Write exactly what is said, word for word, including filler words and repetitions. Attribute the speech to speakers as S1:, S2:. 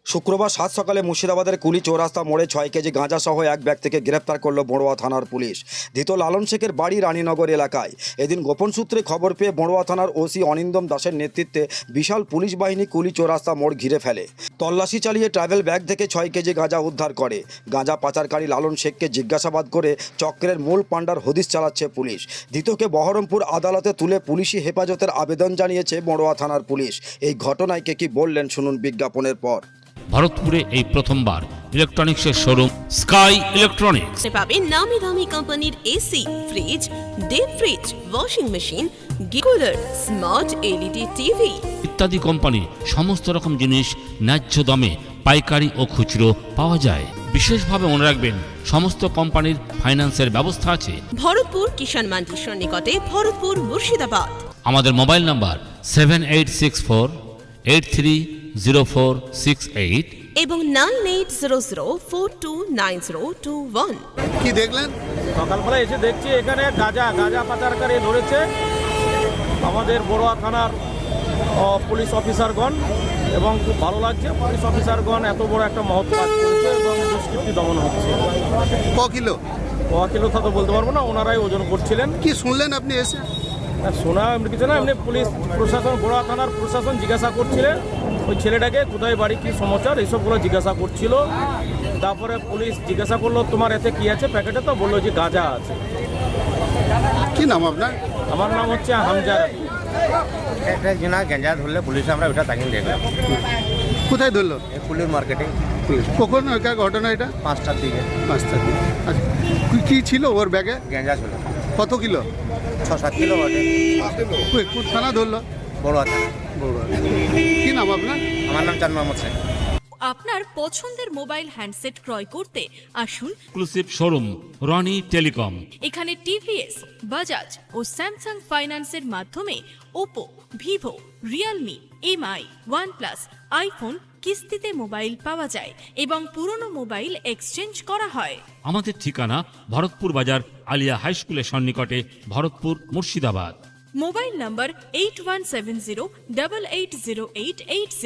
S1: শুক্রবার সাত সকালে মুর্শিদাবাদের কুলি চৌরাস্তা মোড়ে ছয় কেজি গাঁজা সহ এক ব্যক্তিকে গ্রেপ্তার করল বড়ুয়া থানার পুলিশ। ধৃত লালন শেখের বাড়ি রানীনগর এলাকায়। এদিন গোপন সূত্রে খবর পেয়ে বড়ুয়া থানার ওসি অনিন্দম দাসের নেতৃত্বে বিশাল পুলিশ বাহিনী কুলি চৌরাস্তা মোড় ঘিরে ফেলে। তল্লাশি চালিয়ে ট্রাভেল ব্যাগ থেকে ছয় কেজি গাঁজা উদ্ধার করে। গাঁজা পাচারকারী লালন শেখকে জিজ্ঞাসাবাদ করে চক্রের মূল পাণ্ডার হদিশ চালাচ্ছে পুলিশ। ধৃতকে বহরমপুর আদালতে তুলে পুলিশি হেফাজতের আবেদন জানিয়েছে বড়ুয়া থানার পুলিশ। এই ঘটনায় কে কি বললেন শুনুন বিজ্ঞাপনের পর।
S2: ভারতপুরে এই প্রথমবার ইলেকট্রনিক্সের শোরুম স্কাই ইলেকট্রনিক্স
S3: পাবেন নামি দামি কোম্পানির AC, fridge, deep fridge, washing machine, cooler, smart LED TV
S2: ইত্যাদি কোম্পানি সমস্ত রকম জিনিস ন্যায্য দামে পাইকারি ও খুচরো পাওয়া যায়। বিশেষভাবে মনে রাখবেন সমস্ত কোম্পানির ফাইন্যান্সের ব্যবস্থা আছে।
S3: ভরতপুর কিষাণ মান্ডির নিকটে, ভরতপুর মুর্শিদাবাদ।
S2: আমাদের mobile number seven eight six four eight three zero four six eight
S3: এবং nine eight zero zero four two nine zero two one.
S4: কি দেখলেন?
S5: সকালবেলা এসে দেখছি এখানে গাঁজা গাঁজা পাচারকারী ধরেছে আমাদের বড়ুয়া থানার পুলিশ অফিসারগণ, এবং খুব ভালো লাগছে পুলিশ অফিসারগণ এত বড় একটা মহৎ কাজ করেছে এবং দুষ্কৃতি দমন হচ্ছে।
S4: ক কিলো
S5: ক কিলো তা তো বলতে পারবো না, ওনারাই ওজন করছিলেন।
S4: কি শুনলেন আপনি এসে?
S5: শোনা এমনি কিছু না, এমনি পুলিশ প্রশাসন বড়ুয়া থানার প্রশাসন জিজ্ঞাসা করছিলেন ওই ছেলেটাকে কোথায় বাড়ি, কী সমাচার, এইসবগুলো জিজ্ঞাসা করছিল। তারপরে পুলিশ জিজ্ঞাসা করলো তোমার এতে কী আছে প্যাকেটে, তো বললো যে গাঁজা আছে।
S4: কি নাম আপনার?
S5: আমার নাম হচ্ছে হামজা।
S6: একটা জিনা গেঞ্জা ধরলে পুলিশে আমরা ওটা তাকিয়ে দেখলাম।
S4: কোথায় ধরলো?
S6: এই ফুলের মার্কেটে
S4: কখন ওইকার ঘটনা এটা?
S6: পাঁচটার দিকে
S4: পাঁচটা দিন। আচ্ছা, কি- কি ছিল ওর ব্যাগে?
S6: গেঞ্জা ছিল
S4: কত কিলো?
S6: ছ সাত কিলো বটে।
S4: কই, কোন থানা ধরলো?
S6: বড় আছে।
S4: বড়ুয়া। কি নাম আপনার?
S6: আমার নাম চাঁদ মোহাম্মদ শেখ।
S7: আপনার পছন্দের মোবাইল হ্যান্ডসেট ক্রয় করতে আসুন
S2: এক্সক্লুসিভ শোরুম রনি টেলিকম।
S7: এখানে টিভিএস, বাজাজ ও স্যামসাং ফাইন্যান্সের মাধ্যমে Oppo, Vivo, Realme, Mi, OnePlus, iPhone কিস্তিতে মোবাইল পাওয়া যায় এবং পুরনো মোবাইল এক্সচেঞ্জ করা হয়।
S2: আমাদের ঠিকানা ভরতপুর বাজার আলিয়া হাই স্কুলের সন্নিকটে, Bharatpur Murshidabad.
S7: Mobile number eight one seven zero double eight zero eight eight